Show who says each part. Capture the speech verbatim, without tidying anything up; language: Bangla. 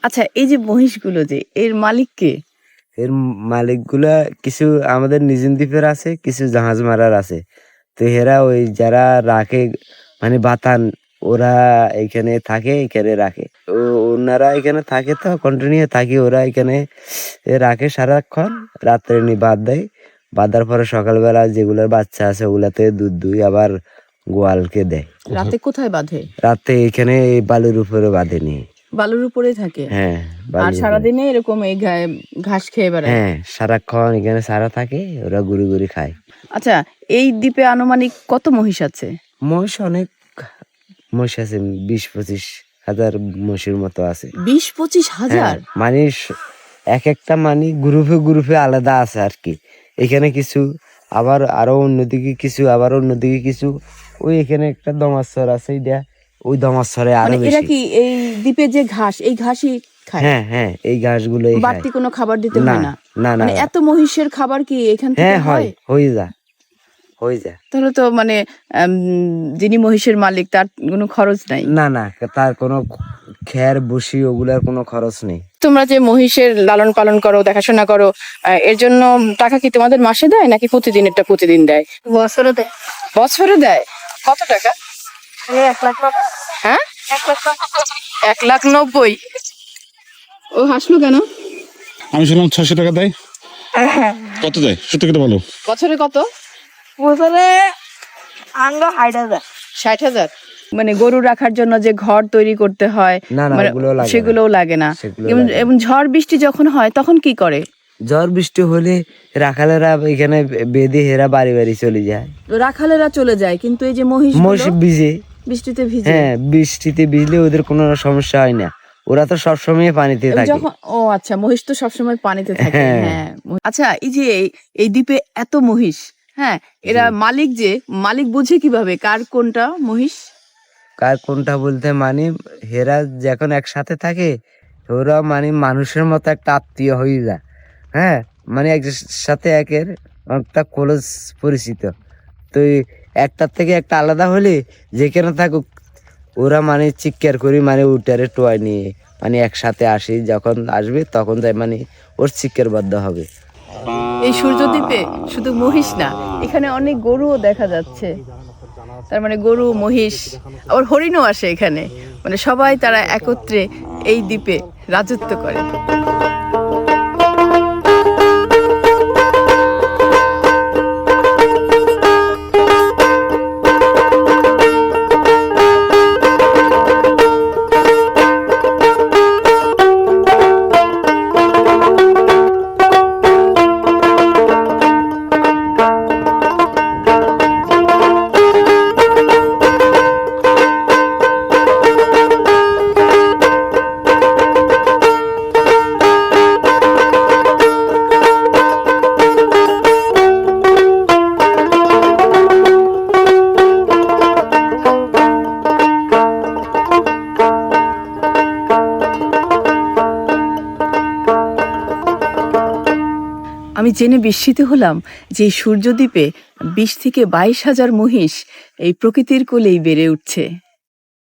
Speaker 1: আচ্ছা, এই যে মহিষগুলো যে এর মালিক কে?
Speaker 2: এর মালিকগুলা কিছু আমাদের নিজিন দ্বীপের আছে, কিছু জাহাজ মারার আছে। তো এরা ওই যারা রাখে মানে বাতান, ওরা এখানে থাকে, এখানে রাখে। ও ওনারা এখানে থাকে, তো কন্টিনিউ থাকে, ওরা এখানে রাখে সারাক্ষণ। রাত্রে নি বাদ দেয়, বাঁধার পরে সকালবেলা যেগুলোর বাচ্চা আছে ওগুলাতে দুধ দুই আবার গোয়ালকে দেয়।
Speaker 1: রাতে কোথায় বাঁধে?
Speaker 2: রাতে এখানে এই বালুর উপরে বাঁধে নি।
Speaker 1: বালুর উপরে থাকে?
Speaker 2: হ্যাঁ,
Speaker 1: আর
Speaker 2: বালুর উপরে।
Speaker 1: সারাদিনে এরকম এই ঘা- ঘাস খেয়ে বেড়ায়?
Speaker 2: হ্যাঁ, সারাক্ষণ এখানে সারা থাকে, ওরা গুড়ি গুড়ি খায়।
Speaker 1: আচ্ছা, এই দ্বীপে আনুমানিক কত মহিষ আছে?
Speaker 2: মহিষ অনেক মহিষ আছে, বিশ পঁচিশ হাজার মহিষের মতো আছে।
Speaker 1: বিশ পঁচিশ হাজার?
Speaker 2: হ্যাঁ, মানে স- এক একটা মানে গ্রুপে গ্রুপে আলাদা আছে আর কি। এখানে কিছু, আবার আরো অন্যদিকে কিছু, আবার অন্যদিকে কিছু। ওই এখানে একটা দমাশ্বর আছে, এইটা ওই দমাশ্বরে আরো
Speaker 1: মানে এরা
Speaker 2: বেশি।
Speaker 1: কি এই দ্বীপে যে ঘাস, এই ঘাসই খায়?
Speaker 2: হ্যাঁ হ্যাঁ, এই ঘাসগুলো
Speaker 1: বাড়তি কোনো খাবার দিতে
Speaker 2: না
Speaker 1: হয় না?
Speaker 2: না না।
Speaker 1: মানে এত মহিষের খাবার কি এখান থেকে
Speaker 2: হ্যাঁ হয়,
Speaker 1: হয়?
Speaker 2: হয়ে যায় হয়ে যায়।
Speaker 1: তাহলে তো মানে আম, যিনি মহিষের মালিক তার কোনো খরচ নাই?
Speaker 2: না না, তার কোনো খের বসি ওগুলার কোনো খরচ নেই।
Speaker 1: তোমরা যে মহিষের লালন পালন করো, দেখাশোনা করো, আহ, এর জন্য টাকা কি তোমাদের মাসে দেয় নাকি প্রতিদিনেরটা প্রতিদিন দেয়?
Speaker 3: বছরে দেয়।
Speaker 1: বছরে দেয়? কত টাকা?
Speaker 3: এই এক লাখ টাকা।
Speaker 1: হ্যাঁ,
Speaker 3: এক লাখ টাকা।
Speaker 1: এক লাখ নব্বই। ও হাসলো কেন?
Speaker 4: আমি শুনলাম ছয়শো টাকা দেয়। কত দেয় সত্যি কথা বলো?
Speaker 1: বছরে কত?
Speaker 3: বছরে আঙ্গ হাইট হাজার।
Speaker 1: ষাট হাজার? মানে গরু রাখার জন্য যে ঘর তৈরি করতে হয়,
Speaker 2: না না,
Speaker 1: মানে
Speaker 2: ওগুলো লাগে না।
Speaker 1: সেগুলোও লাগে না?
Speaker 2: সেগুলো
Speaker 1: এবং-
Speaker 2: লাগে না।
Speaker 1: এবং ঝড় বৃষ্টি যখন হয় তখন কি করে?
Speaker 2: ঝড় বৃষ্টি হলে রাখালেরা এখানে বেঁধে হেরা বাড়ি বাড়ি চলে যায়।
Speaker 1: রাখালেরা চলে যায়, কিন্তু এই যে মহিষ
Speaker 2: মহিষ ভিজে।
Speaker 1: বৃষ্টিতে ভিজে?
Speaker 2: হ্যাঁ, বৃষ্টিতে ভিজলে ওদের কোনো সমস্যা হয় না, ওরা তো সবসময় পানিতে থাকে।
Speaker 1: যখন ও আচ্ছা, মহিষ তো সবসময় পানিতে থাকে।
Speaker 2: হ্যাঁ।
Speaker 1: হ্যাঁ, আচ্ছা, এই যে এই- এই দ্বীপে এত মহিষ, হ্যাঁ, এরা মালিক যে মালিক বুঝে কিভাবে কার কোনটা মহিষ?
Speaker 2: কার কোনটা বলতে মানে হেরা যখন একসাথে থাকে, ওরা মানে মানুষের মতো একটা আত্মীয় হয়ে যায়। হ্যাঁ, মানে এক সাথে একের একটা ক্লোজ পরিচিত। তো এই একটার থেকে একটা আলাদা হলে যেখানে থাকুক, ওরা মানে চিৎকার করি, মানে উটারে টোয়াই নিয়ে মানে একসাথে আসি, যখন আসবে তখন তাই মানে ওর চিৎকার বাধ্য হবে।
Speaker 1: এই সূর্যদ্বীপে শুধু মহিষ না, এখানে অনেক গরুও দেখা যাচ্ছে। তার মানে গরু, মহিষ, আবার হরিণও আসে এখানে। মানে সবাই তারা একত্রে এই দ্বীপে রাজত্ব করে। আমি জেনে বিস্মিত হলাম যে এই সূর্যদ্বীপে বিশ থেকে বাইশ হাজার মহিষ এই প্রকৃতির কোলেই বেড়ে উঠছে।